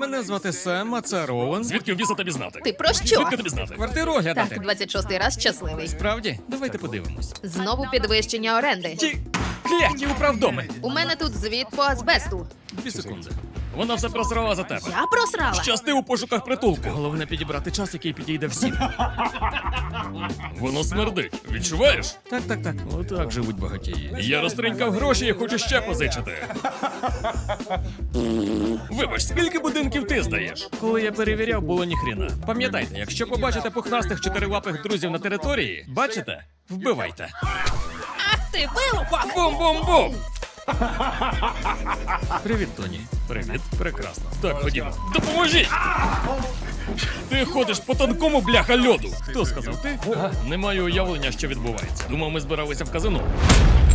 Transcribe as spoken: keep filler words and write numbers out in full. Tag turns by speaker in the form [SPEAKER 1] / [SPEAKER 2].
[SPEAKER 1] Мене звати Сем, а це Роуен.
[SPEAKER 2] Звідки в біса тобі знати?
[SPEAKER 3] Ти про що?
[SPEAKER 2] Звідки тобі знати?
[SPEAKER 1] Квартиру оглядати.
[SPEAKER 3] Так, двадцять шостий раз щасливий.
[SPEAKER 1] Справді? Давайте подивимось.
[SPEAKER 3] Знову підвищення оренди.
[SPEAKER 1] Ті кляті управдоми.
[SPEAKER 3] У мене тут звіт по азбесту.
[SPEAKER 1] Дві секунди.
[SPEAKER 2] Вона все просрала за тебе.
[SPEAKER 3] Я просрала.
[SPEAKER 2] Щасти у пошуках притулку.
[SPEAKER 1] Головне підібрати час, який підійде всім.
[SPEAKER 2] Воно смердить. Відчуваєш?
[SPEAKER 1] Так, так, так. Отак живуть багатії.
[SPEAKER 2] Я розтринькав гроші і хочу ще позичити. Вибач, скільки будинків ти здаєш?
[SPEAKER 1] Коли я перевіряв, було ніхріна. Пам'ятайте, якщо побачите пухнастих чотирилапих друзів на території, бачите? Вбивайте.
[SPEAKER 3] Ти вилупок!
[SPEAKER 1] Бум-бум-бум! Привіт, Тоні.
[SPEAKER 2] Привіт.
[SPEAKER 1] Прекрасно.
[SPEAKER 2] Так, ходімо. Допоможіть! Ти ходиш по тонкому, бляха, льоду.
[SPEAKER 1] Хто сказав ти?
[SPEAKER 2] Не маю уявлення, що відбувається. Думав, ми збиралися в казино.